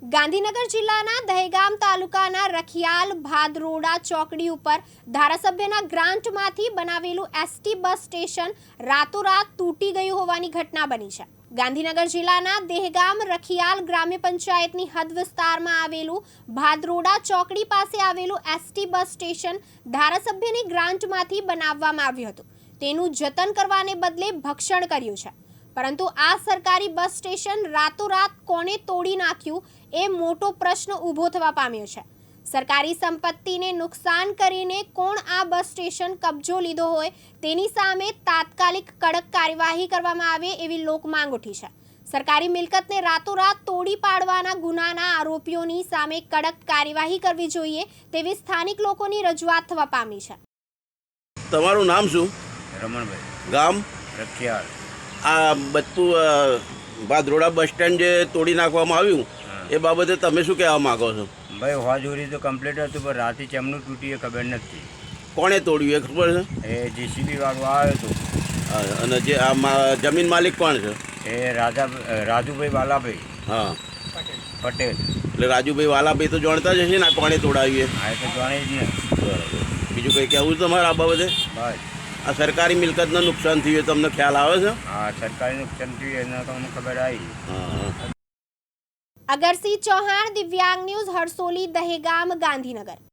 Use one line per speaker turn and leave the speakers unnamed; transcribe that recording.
ગાંધીનગર જિલ્લાના દહેગામ તાલુકાના રખિયાલ ભાદરોડા ચોકડી ઉપર ધારાસભ્યના ગ્રાન્ટમાંથી બનાવેલું એસટી બસ સ્ટેશન રાતોરાત તૂટી ગયું હોવાની ઘટના બની છે। ગાંધીનગર જિલ્લાના દહેગામ રખિયાલ ગ્રામ્ય પંચાયતની હદ વિસ્તારમાં આવેલું ભાદરોડા ચોકડી પાસે આવેલું એસટી બસ સ્ટેશન ધારાસભ્યની ગ્રાન્ટમાંથી બનાવવામાં આવ્યું હતું। તેનું જતન કરવાને બદલે ભક્ષણ કર્યું છે, પરંતુ આ સરકારી બસ સ્ટેશન રાતોરાત કોણે તોડી નાખ્યું એ મોટો પ્રશ્ન ઊભો થવા પામ્યો છે। સરકારી સંપત્તિને નુકસાન કરીને કોણ આ બસ સ્ટેશન કબજો લીધો હોય તેની સામે તાત્કાલિક કડક કાર્યવાહી કરવામાં આવે એવી લોક માંગ ઉઠી છે। સરકારી મિલકતને રાતોરાત તોડી પાડવાના ગુનાના આરોપીઓની સામે કડક કાર્યવાહી કરવી જોઈએ તેવી સ્થાનિક લોકોની રજૂઆત થવા પામી છે।
તમારું નામ શું?
રમણભાઈ,
ગામ
રખિયાલ।
આ બધું ભાદરોડા બસ સ્ટેન્ડ જે તોડી નાખવામાં આવ્યું એ બાબતે તમે શું કહેવા માગો છો?
ભાઈ હોજોરી તો કમ્પ્લીટ હતું, પણ રાતે ચેમનું તૂટી એ ખબર નથી।
કોણે તોડ્યું એ ખબર છે?
એ જીસીબી વાળો આવ્યો હતો।
અને જે આ જમીન માલિક કોણ છે?
એ રાજુભાઈ વાલાભાઈ
હા,
પટેલ।
એટલે રાજુભાઈ વાલાભાઈ તો જાણતા જ હશે ને આ કોણે તોડાવ્યું
આ તો જાણે જ ને।
બરાબર, બીજું કંઈ કહેવું છે તમારે આ બાબતે?
બસ
આ સરકારી મિલકતનું નુકસાન થયું તમને ખ્યાલ આવે છે?
હા, સરકારી નુકસાન થયું એને તો અમને ખબર આવી।
હા।
અગરસિંહ ચૌહાણ, દિવ્યાંગ ન્યૂઝ, હરસોલી, દહેગામ, ગાંધીનગર।